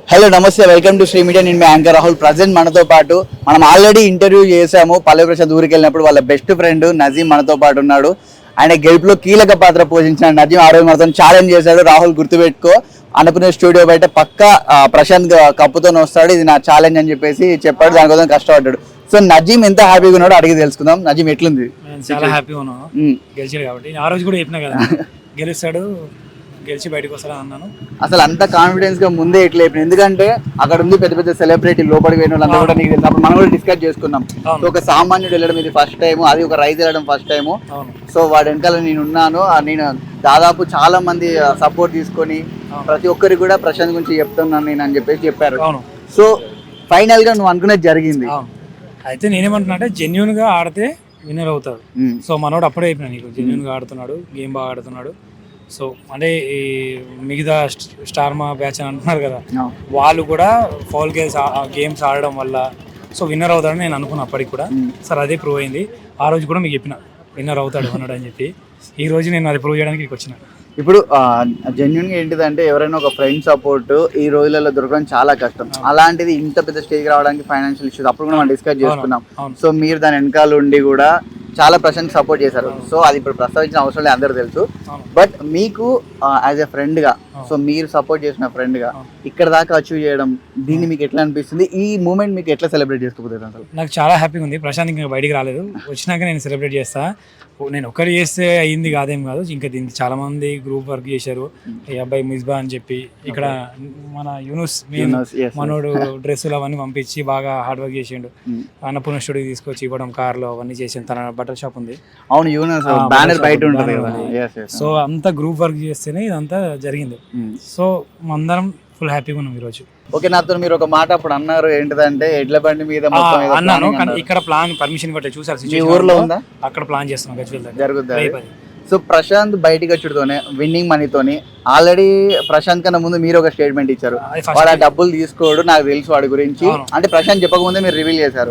Hello నమస్తే, welcome to Shri media. నేను మీ anchor Rahul. Present మనతో పాటు మనం ఆల్రెడీ ఇంటర్వ్యూ చేసాము. పల్లవి ప్రసాద్ ఊరికి వెళ్ళినప్పుడు వాళ్ళ బెస్ట్ ఫ్రెండ్ నజీం మనతో పాటు ఉన్నాడు. ఆయన గెలుపులో కీలక పాత్ర పోషించిన నజీం ఆ రోజు మనతో ఛాలెంజ్ చేశాడు. రాహుల్ గుర్తుపెట్టుకో, అనుకునే స్టూడియో బయట పక్కా ప్రశాంత్ కప్పుతో వస్తాడు, ఇది నా ఛాలెంజ్ అని చెప్పేసి చెప్పాడు. దానికోసం కష్టపడ్డాడు. సో నజీం ఎంత హ్యాపీగా ఉన్నాడో అడిగి తెలుసుకుందాం. నజీం ఎట్లుంది? చాలా హ్యాపీగా ఉన్నాను గెలిచాడు కాబట్టి. ఆ రోజు కూడా చెప్పినా కదా గెలుస్తాడు, గెలిచి బయటకు వస్తాడని అన్నాను. అసలు అంత కాన్ఫిడెన్స్ గా ముందే ఎట్లా అయిపోయింది? ఎందుకంటే అక్కడ ఉంది పెద్ద పెద్ద సెలబ్రిటీ లోపలికి పోయిన వాళ్ళంతా కూడా నీకు తెలుసు. అప్పుడు మనం కూడా డిస్కస్ చేసుకున్నాం. సో ఒక సామాన్యుడు వెళ్ళడం ఇది ఫస్ట్ టైం, అది ఒక రైతు వెళ్ళడం ఫస్ట్ టైం. సో వాడి వెనకాల నేను ఉన్నాను. నేను దాదాపు చాలా మంది సపోర్ట్ తీసుకొని ప్రతి ఒక్కరికి కూడా ప్రశాంత్ గురించి చెప్తున్నాను నేను అని చెప్పేసి చెప్పారు. సో ఫైనల్ గా నువ్వు అనుకునేది జరిగింది. అయితే నేనేమంటున్నా అంటే జెన్యున్ గా ఆడితే విన్నర్ అవుతాడు. సో మనోడు అప్పుడే అయిపోయినా నీకు జెన్యున్ గా ఆడుతున్నాడు, గేమ్ బాగా ఆడుతున్నాడు. సో అంటే ఈ మిగతా స్టార్మా బ్యాచ్ అని అంటున్నారు కదా, వాళ్ళు కూడా ఫౌల్ గేమ్స్ ఆడడం వల్ల సో విన్నర్ అవుతాడని నేను అనుకున్నా అప్పటికి కూడా. సార్ అదే ప్రూవ్ అయింది. ఆ రోజు కూడా మీకు చెప్పిన విన్నర్ అవుతాడు అన్నాడు అని చెప్పి. ఈ రోజు నేను అది ప్రూవ్ చేయడానికి వచ్చిన. ఇప్పుడు జెన్యున్ గా ఏంటిదంటే ఎవరైనా ఒక ఫ్రెండ్ సపోర్ట్ ఈ రోజులలో దొరకడం చాలా కష్టం. అలాంటిది ఇంత పెద్ద స్టేజ్ రావడానికి ఫైనాన్షియల్ ఇష్యూస్ అప్పుడు కూడా మనం డిస్కస్ చేసుకున్నాం. సో మీరు దాని వెనకాల ఉండి కూడా చాలా ప్రశాంత్ సపోర్ట్ చేశారు. సో అది ఇప్పుడు ప్రస్తావించిన అవసరం లేదు, అందరూ తెలుసు. బట్ మీకు యాజ్ ఎ ఫ్రెండ్ గా, సో మీరు సపోర్ట్ చేసిన ఫ్రెండ్ గా ఇక్కడ దాకా అచీవ్ చేయడం, దీన్ని మీకు ఎట్లా అనిపిస్తుంది? ఈ మూమెంట్ మీకు ఎట్లా సెలబ్రేట్ చేసుకోబోతుంది? అసలు నాకు చాలా హ్యాపీగా ఉంది. ప్రశాంత్ ఇంకా బయటికి రాలేదు, వచ్చినాక నేను సెలబ్రేట్ చేస్తా. నేను ఒక్కరు చేస్తే అయ్యింది కాదేం కాదు, ఇంకా దీనికి చాలా మంది గ్రూప్ వర్క్ చేశారు. ఈ అబ్బాయి మిస్బా అని చెప్పి ఇక్కడ మన యూనుస్ మనోడు డ్రెస్సులు అవన్నీ పంపించి బాగా హార్డ్ వర్క్ చేసిండు. అన్నపూర్ణ స్టూడియోకి తీసుకొచ్చి ఇవ్వడం, కార్లో అవన్నీ చేసిండు. తన బట్టల షాప్ ఉంది. అవును, యూనస్ బ్యానర్ బయట ఉంటుంది. సో అంతా గ్రూప్ వర్క్ చేస్తేనే ఇదంతా జరిగింది. సో అందరం ఫుల్ హ్యాపీగా ఉన్నాం ఈరోజు. ఓకే, నాతో మీరు ఒక మాట అప్పుడు అన్నారు, ఏంటిదంటే ఎడ్ల బండి మీద అన్నాను. ఇక్కడ ప్లాన్ పర్మిషన్ ఇవ్వట్లేదు, చూసారు ఊర్లో ఉందా? అక్కడ ప్లాన్ చేస్తున్నాం గజ్వేల్ జరుగుతుంది. సో ప్రశాంత్ బయటికి వచ్చుడుతోనే విన్నింగ్ మనీతోని ఆల్రెడీ ప్రశాంత్ కన్నా ముందు మీరు ఒక స్టేట్మెంట్ ఇచ్చారు, వాడు ఆ డబ్బులు తీసుకోడు, నాకు తెలుసు వాడి గురించి అంటే ప్రశాంత్ చెప్పకముందే మీరు రివీల్ చేశారు.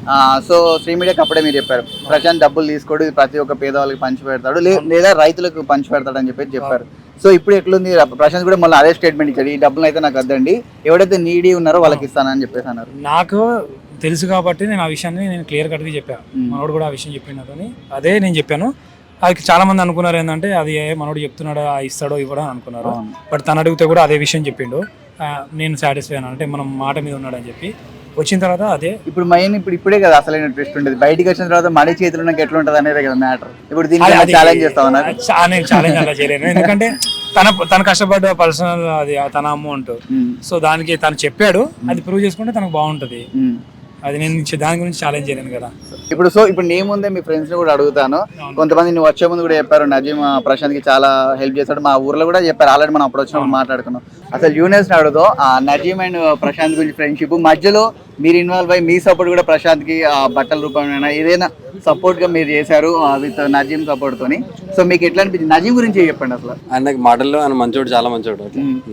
సో శ్రీ మీడియాకి అప్పుడే మీరు చెప్పారు ప్రశాంత్ డబ్బులు తీసుకోడు, ప్రతి ఒక్క పేదవాళ్ళకి పంచి పెడతాడు, లేదా రైతులకు పంచి పెడతాడు అని చెప్పారు. సో ఇప్పుడు ఎట్లుంది? ప్రశాంత్ కూడా మళ్ళీ అదే స్టేట్మెంట్ ఇచ్చాడు, ఈ డబ్బులు అయితే నాకు వద్దండి, ఎవడైతే నీడీ ఉన్నారో వాళ్ళకి ఇస్తానని చెప్పేసి అన్నారు. నాకు తెలుసు కాబట్టి నేను ఆ విషయాన్ని నేను క్లియర్ కట్గా చెప్పాను. మనోడు కూడా ఆ విషయం చెప్పిన కానీ అదే నేను చెప్పాను. అది చాలా మంది అనుకున్నారు ఏంటంటే అది మనోడు చెప్తున్నాడు ఇస్తాడో ఇవ్వడో అనుకున్నారు. బట్ తను అడిగితే కూడా అదే విషయం చెప్పిండు. నేను సాటిస్ఫై అయ్యాను, అంటే మనం మాట మీద ఉన్నాడు అని చెప్పి. వచ్చిన తర్వాత అదే ఇప్పుడు మెయిన్ ఇప్పుడే కదా అసలైన ట్విస్ట్ ఉండేది. బయటికి వచ్చిన తర్వాత మనీ చేతులు నాకు ఎట్లా ఉంటుంది అనేది కదా మ్యాటర్. ఇప్పుడు దీన్ని ఛాలెంజ్ చేస్తావు? నేను ఛాలెంజ్ అలా చేయలేను, ఎందుకంటే తన కష్టపడ్డ పర్సనల్ అది తన అమౌంట్. సో దానికి తను చెప్పాడు, అది ప్రూవ్ చేసుకుంటే తనకు బాగుంటది. అది నేను దాని గురించి ఛాలెంజ్ చేయలేను కదా. ఇప్పుడు నీ ముందే మీ ఫ్రెండ్స్ ని కూడా అడుగుతాను. కొంతమంది నువ్వు వచ్చే ముందు కూడా చెప్పారు నజీం ప్రశాంత్ కి చాలా హెల్ప్ చేశాడు, మా ఊర్లో కూడా చెప్పారు. ఆల్రెడీ మనం అప్పుడు వచ్చినప్పుడు మాట్లాడుకున్నాం. అసలు యూనియన్స్ ని అడుగుతాం నజీం అండ్ ప్రశాంత్ గురించి ఫ్రెండ్షిప్ మధ్యలో మీరు ఇన్వాల్వ్ అయ్యి మీ సపోర్ట్ కూడా ప్రశాంత్ కి బట్టల రూపంలో ఏదైనా సపోర్ట్ గా మీరు చేశారు విత్ నజీం సపోర్ట్ తోని. సో మీకు ఎట్లా అనిపించింది? నజీం గురించి చెప్పండి. అసలు ఆయనకి మాటల్లో ఆయన మంచోడు, చాలా మంచోడు.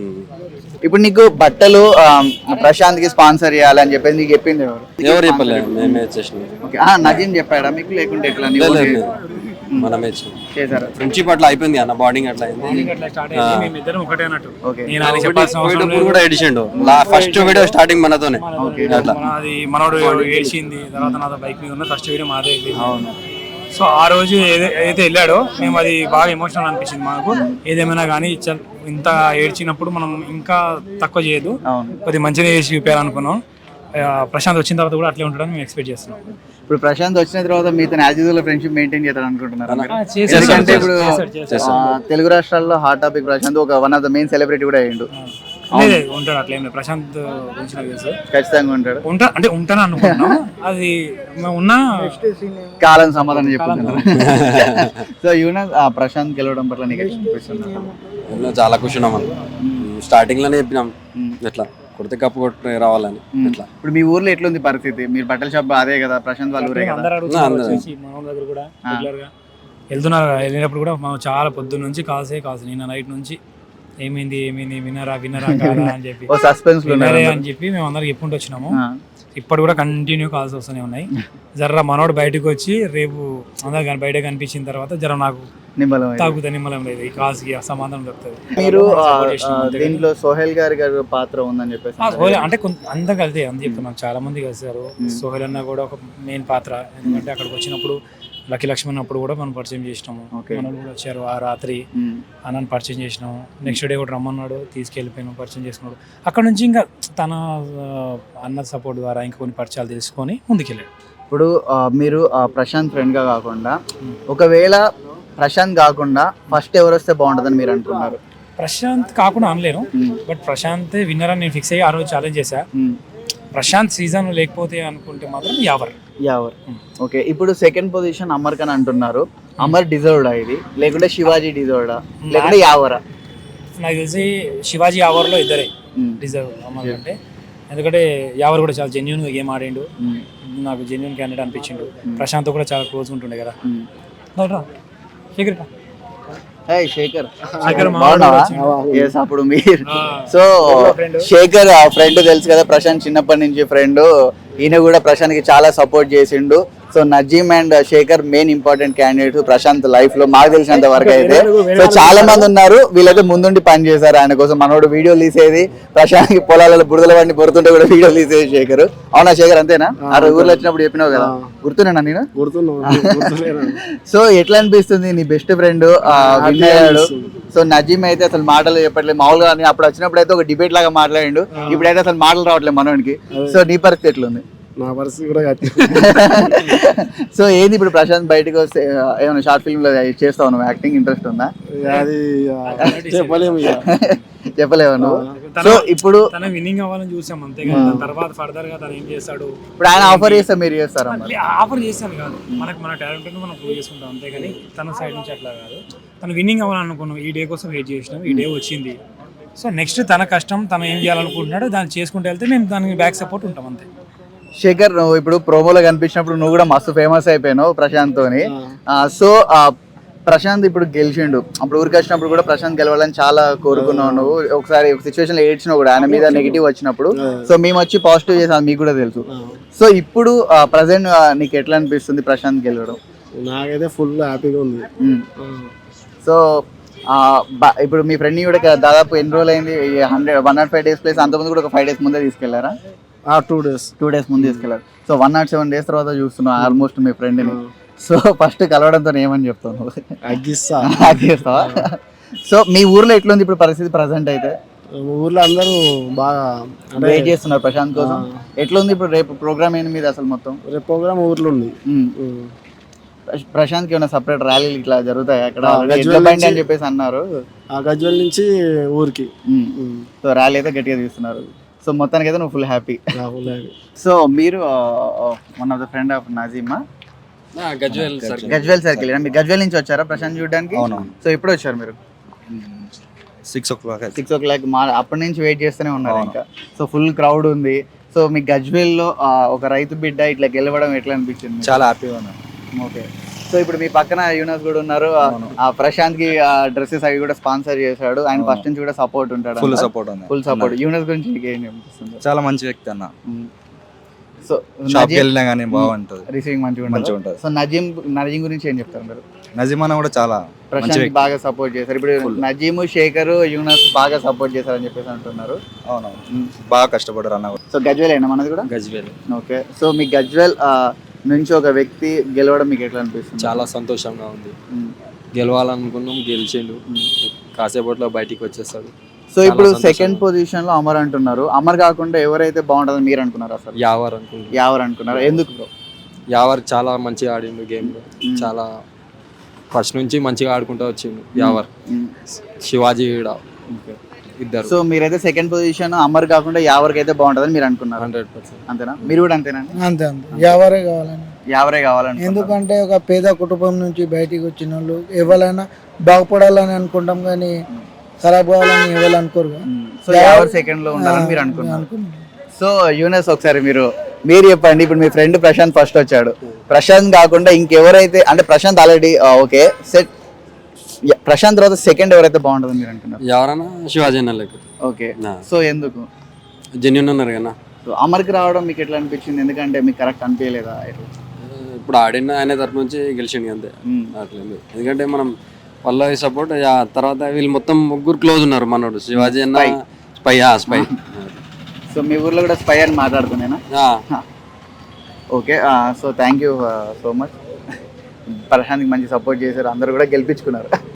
ఇప్పుడు నీకు బట్టలు ప్రశాంత్ కి స్పాన్సర్ చేయాలని చెప్పేసి నీకు చెప్పింది ఎవరు చెప్పలేదు, మేమే చేసినాం. నజీం చెప్పాడా మీకు, లేకుంటే ఎట్లా మనమే చేశారు? ఫ్రెండ్షిప్ అట్లా అయిపోయింది అన్న, బాండింగ్ అట్లా అయింది. కూడా ఎడిషండు ఫస్ట్ వీడియో స్టార్టింగ్ మనతోనే. మనోడు ఏడ్చింది తర్వాత నాతో బైక్ మీద ఉన్న ఫస్ట్ వీడియో మాదే. సో ఆ రోజు ఏదైతే వెళ్ళాడో మేము అది బాగా ఎమోషనల్ అనిపించింది మాకు. ఏదేమైనా కానీ ఇంత ఏడ్చినప్పుడు మనం ఇంకా తక్కువ చేయదు, కొద్దిగా మంచిగా చేసి చూపించాలనుకున్నాం. ప్రశాంత్ వచ్చిన తర్వాత కూడా అట్లే ఉంటాడని మేము ఎక్స్పెక్ట్ చేస్తున్నాం. ఇప్పుడు ప్రశాంత్ వచ్చిన తర్వాత మీతో యాజిజుల ఫ్రెండ్షిప్ మెయింటైన్ చేద్దాం అనుకుంటున్నారు? ఎందుకంటే ఇప్పుడు తెలుగు రాష్ట్రాల్లో హాట్ టాపిక్ ప్రశాంత్ ఒక one of the main celebrity కూడా అయ్యిండు. ఉంటాడు అట్లేం లేదు, ప్రశాంత్ గురించి నాకు తెలుసు. ఖచ్చితంగా ఉంటాడు. అంటే ఉంటాను అనుకుంటున్నాం, అది ఉన్నా కాలం సమాధానం చెప్పుకుంటున్నారు. సో యూనస్ ప్రశాంత్ గెలవడం పట్ల నీకు అనిపిస్తుంది? చాలా ఖుషి ఉన్నాం. స్టార్టింగ్ లోనే చెప్పినాం ఎట్లా కొడితే కప్పు కొట్టి రావాలని. ఇప్పుడు మీ ఊర్లో ఎట్లుంది పరిస్థితి? మీరు బట్టల షాప్ అదే కదా, ప్రశాంత్ వాళ్ళ ఊరే కదా. దగ్గర కూడా రెగ్యులర్ గా వెళ్తున్నారు. వెళ్ళినప్పుడు కూడా మనం చాలా పొద్దున్న నుంచి కాల్సే నిన్న నైట్ నుంచి ఏమైంది ఏమైంది వినరా వినరా కాదా అని చెప్పి ఓ సస్పెన్స్ లో వినరే అని చెప్పి మేము అందరికి చెప్పుకుంటూ వచ్చినాము. ఇప్పుడు కూడా కంటిన్యూ కాల్స్ వస్తూనే ఉన్నాయి. జర్ర మనోడు బయటకు వచ్చి రేపు అందరు కానీ బయట కనిపించిన తర్వాత జర నాకు తాగుతా నిమ్మలం లేదు, ఈ కాల్స్ కి సమాధానం దొరుకుతుంది. మీరు దీంట్లో సోహెల్ గారి పాత్ర ఉందని చెప్పేసి అంటే అందరు కలిసి అంత చెప్తున్నాను, చాలా మంది కలిసారు. సోహెల్ అన్న కూడా ఒక మెయిన్ పాత్ర, ఎందుకంటే అక్కడికి వచ్చినప్పుడు లక్కీ లక్ష్మణ్ అప్పుడు కూడా మనం పరిచయం చేసినాము. మనోళ్ళు కూడా వచ్చారు ఆ రాత్రి, అన్నని పరిచయం చేసినాము. నెక్స్ట్ డే కూడా రమ్మన్నాడు, తీసుకెళ్ళిపోయినాం, పరిచయం చేసుకున్నాడు. అక్కడ నుంచి ఇంకా తన అన్న సపోర్ట్ ద్వారా ఇంకా కొన్ని పరిచయాలు తెలుసుకొని ముందుకెళ్ళాడు. ఇప్పుడు మీరు ప్రశాంత్ ఫ్రెండ్ గా కాకుండా ఒకవేళ ప్రశాంత్ కాకుండా ఫస్ట్ ఎవరు వస్తే బాగుంటుందని మీరు అనుకున్నారు? ప్రశాంత్ కాకుండా అనలేను, బట్ ప్రశాంత్ విన్నర్ అని నేను ఫిక్స్ అయ్యి ఆ రోజు ఛాలెంజ్ చేశా. ప్రశాంత్ సీజన్ లేకపోతే అనుకుంటే మాత్రం యావర్. ఓకే, ఇప్పుడు సెకండ్ పొజిషన్ అమర్ ఖాన్ అంటున్నారు. అమర్ డిజర్వ్డా ఇది, లేకుంటే శివాజీ డిజర్వ్డా, లేకుంటే యావరా? నాకు తెలిసి శివాజీ యావర్లో ఇద్దరే డిజర్వ్ అమర్ అంటే, ఎందుకంటే యావర్ కూడా చాలా జెన్యున్ గా గేమ్ ఆడిండు, నాకు జెన్యున్ క్యాండిడేట్ అనిపించిండు. ప్రశాంత్ కూడా చాలా క్లోజ్ ఉంటుండే కదా. శేఖర్ అప్పుడు మీరు సో శేఖర్ ఫ్రెండ్ తెలుసు కదా, ప్రశాంత్ చిన్నప్పటి నుంచి ఫ్రెండ్. ఈయన కూడా ప్రశాంత్ కి చాలా సపోర్ట్ చేసిండు. So Nazim and Shekhar main important candidate Prashanth life లో, మాకు తెలిసినంత వరకు అయితే. సో చాలా మంది ఉన్నారు, వీళ్ళైతే ముందుండి పని చేశారు ఆయన కోసం. మనోడు వీడియో తీసేది, ప్రశాంత్ పొలాలలో బురదల వాడిని పొరుతుంటే కూడా వీడియో తీసేది శేఖర్. అవునా శేఖర్, అంతేనా? ఆ ఊర్లో వచ్చినప్పుడు చెప్పినావు కదా, గుర్తున్నా నేను? సో ఎట్లా అనిపిస్తుంది, నీ బెస్ట్ ఫ్రెండ్ విన్ అయ్యాడు. సో నజీమ్ అయితే అసలు మాటలు చెప్పట్లేదు మామూలుగా. అప్పుడు వచ్చినప్పుడు అయితే ఒక డిబేట్ లాగా మాట్లాడిండు, ఇప్పుడైతే అసలు మాటలు రావట్లేదు మనోడికి. సో నీ పరిస్థితి ఎట్లుంది? నా పరిస్థితి కూడా సో ఏంది ఇప్పుడు ప్రశాంత్ బయటకు వస్తే ఏమైనా షార్ట్ ఫిల్మ్ లో చేస్తావు నువ్వు? యాక్టింగ్ ఇంట్రెస్ట్ ఉందా? అది చెప్పలేము, చెప్పలేవు నువ్వు. సో ఇప్పుడు తన విన్నింగ్ అవ్వాలని చూసాం అంతే కదా, తర్వాత ఫర్దర్ గా తను ఏం చేస్తాడు. ఇప్పుడు ఆయన ఆఫర్ చేస్తే మీరు చేస్తారా? ఆఫర్ చేస్తాను కాదు, మన టాలెంట్ మనం ప్రూవ్ చేసుకుంటాం అంతే కానీ తన సైడ్ నుంచి అట్లా కాదు. తను విన్నింగ్ అవ్వాలనుకున్నాం, ఈ డే కోసం వెయిట్ చేసినాం, ఈ డే వచ్చింది. సో నెక్స్ట్ తన కష్టం, తను ఏం చేయాలనుకుంటున్నాడో దాన్ని చేసుకుంటూ వెళ్తే మేము దానికి బ్యాక్ సపోర్ట్ ఉంటాం అంతే. శేఖర్, నువ్వు ఇప్పుడు ప్రోమోలో కనిపించినప్పుడు నువ్వు కూడా మస్తు ఫేమస్ అయిపోయినావు ప్రశాంత్ తోని. సో ప్రశాంత్ ఇప్పుడు గెలిచిండు, అప్పుడు ఊరికి వచ్చినప్పుడు కూడా ప్రశాంత్ గెలవాలని చాలా కోరుకున్నావు నువ్వు. ఒకసారి ఒక సిచ్యువేషన్ లో ఏడ్చినావు కూడా ఆయన మీద నెగిటివ్ వచ్చినప్పుడు. సో మేము వచ్చి పాజిటివ్ చేసాం, మీకు కూడా తెలుసు. సో ఇప్పుడు ప్రజెంట్ నీకు ఎట్లా అనిపిస్తుంది ప్రశాంత్ గెలవడం? నాకైతే ఫుల్ హ్యాపీగా ఉంది. సో ఇప్పుడు మీ ఫ్రెండ్ కూడా దాదాపు ఎన్ని రోజులు అయింది? 105 days ప్లేస్ అంతకుముందు కూడా ఒక 5 days ముందే తీసుకెళ్లారా? 2 days ముందు తీసుకెళ్లారు. సో 107 days తర్వాత చూస్తున్నావు ఆల్మోస్ట్ మీ ఫ్రెండ్ని. సో ఫస్ట్ కలవడంతో ఏమని చెప్తావు? అగ్గిస్తావా? సో మీ ఊర్లో ఎట్లుంది ఇప్పుడు పరిస్థితి ప్రజెంట్ అయితే? ఊర్లో అందరూ బాగా వెయిట్ చేస్తున్నారు ప్రశాంత్ కోసం. ఎట్లుంది ఇప్పుడు? రేపు ప్రోగ్రామ్ ఏంది మీద అసలు మొత్తం? రేపు ప్రోగ్రామ్ ఊర్లో ఉంది. ప్రశాంత్ కి ఏమైనా సపరేట్ ర్యాలీలు ఇట్లా జరుగుతాయి అక్కడ అని చెప్పేసి అన్నారు. గజ్వెల్ నుంచి ఊరికి సో ర్యాలీ అయితే గట్టిగా తీస్తున్నారు. సో మొత్తానికి అయితే నువ్వు ఫుల్ హ్యాపీ. సో మీరు one of the friend of నజీమా? గజ్వెల్ సర్కిల్. మీరు గజ్వెల్ నుంచి వచ్చారా ప్రశాంత్ చూడడానికి? సో ఎప్పుడు వచ్చారు మీరు? 6 o'clock. అప్పటి నుంచి వెయిట్ చేస్తూనే ఉన్నారు ఇంకా. సో ఫుల్ క్రౌడ్ ఉంది. సో మీ గజ్వెల్ లో ఒక రైతు బిడ్డ ఇట్లా గెలవడం ఎట్లా అనిపించింది? చాలా హ్యాపీగా ఉన్నాను. ఓకే. సో ఇప్పుడు మీ పక్కన యూనస్ కూడా ఉన్నారు. ప్రశాంత్ కి డ్రెస్సెస్ అవి కూడా స్పాన్సర్ చేశాడు. ఆయన ఫస్ట్ నుంచి కూడా సపోర్ట్ ఉంటాడు. Full support. యూనస్ గురించి ఏం అనిపిస్తుంది? చాలా మంచి వ్యక్తి అన్న. సో షాప్కి వెళ్ళినా కానీ బాగుంటుంది, రిసీవింగ్ మంచిగా ఉంటుంది. సో నజీమ్ గురించి ఏం చెప్తారు మీరు? నజీమ్ అన్న కూడా చాలా ప్రశాంత్ బాగా సపోర్ట్ చేశారు. ఇప్పుడు నజీమ్, శేఖర్, యూనస్ బాగా సపోర్ట్ చేశారని చెప్పేసి అంటున్నారు. అవునవును, బాగా కష్టపడ్డారు అన్న. సో గజ్వెల్ అయినా మనది కూడా? గజ్వేల్. ఓకే. సో మీ గజ్వెల్ నుంచి ఒక వ్యక్తి గెలవడం మీకు ఎట్లా అనిపిస్తుంది? చాలా సంతోషంగా ఉంది. గెలవాలనుకున్నాం, గెలిచిండు, కాసేపట్లో బయటికి వచ్చేస్తాడు. సో ఇప్పుడు సెకండ్ పొజిషన్ లో అమర్ అంటున్నారు. అమర్ కాకుండా ఎవరైతే బాగుంటుందని మీరు అనుకున్నారు? అసలు యావర్ అనుకున్నారు. ఎందుకు? యావర్ చాలా మంచిగా ఆడిండు గేమ్ లో, చాలా ఫస్ట్ నుంచి మంచిగా ఆడుకుంటూ వచ్చిండు యావర్. శివాజీ కూడా ఇద్దరు. సో మీరైతే సెకండ్ పొజిషన్ అమర్ కాకుండా యావర్కి అయితే బాగుంటుందని మీరు అనుకున్నారు? 100%. అంతేనా? మీరు కూడా అంతేనా? అంతే యావరే కావాలని. ఎందుకంటే ఒక పేద కుటుంబం నుంచి బయటికి వచ్చిన వాళ్ళు ఎవరైనా బాగుపడాలని అనుకుంటాం కానీ ఖరాబ్ కావాలని ఎవరు అనుకోరు. సో యావర్ సెకండ్ లో ఉండాలని మీరు అనుకున్నారు. సో యూనస్ ఒకసారి మీరు చెప్పండి. ఇప్పుడు మీ ఫ్రెండ్ ప్రశాంత్ ఫస్ట్ వచ్చాడు. ప్రశాంత్ కాకుండా ఇంకెవరైతే, అంటే Prashanth already okay set Prashanth తర్వాత సెకండ్ ఎవరైతే బాగుంటుంది మీరు అంటున్నారు? ఎవరైనా శివాజీ అన్న లెక్క ఓకే, నా. సో ఎందుకు? జెన్యున్ ఉన్నారు కదా. సో అమర్కి రావడం మీకు ఎట్లా అనిపించింది? ఎందుకంటే మీకు కరెక్ట్ అనిపించలేదా? ఇప్పుడు ఆడిన ఆయన తరపు నుంచి గెలిచిండు అంతే. అట్లేదు ఎందుకంటే మనం పల్లవి సపోర్ట్ తర్వాత వీళ్ళు మొత్తం ముగ్గురు క్లోజ్ ఉన్నారు. మనోడు శివాజీ అన్న స్పై స్పై. సో మీ ఊర్లో కూడా స్పై అని మాట్లాడుతున్నానా? Okay, so thank you so much. ప్రశాంత్కి మంచి సపోర్ట్ చేశారు, అందరూ కూడా గెలిపించుకున్నారు.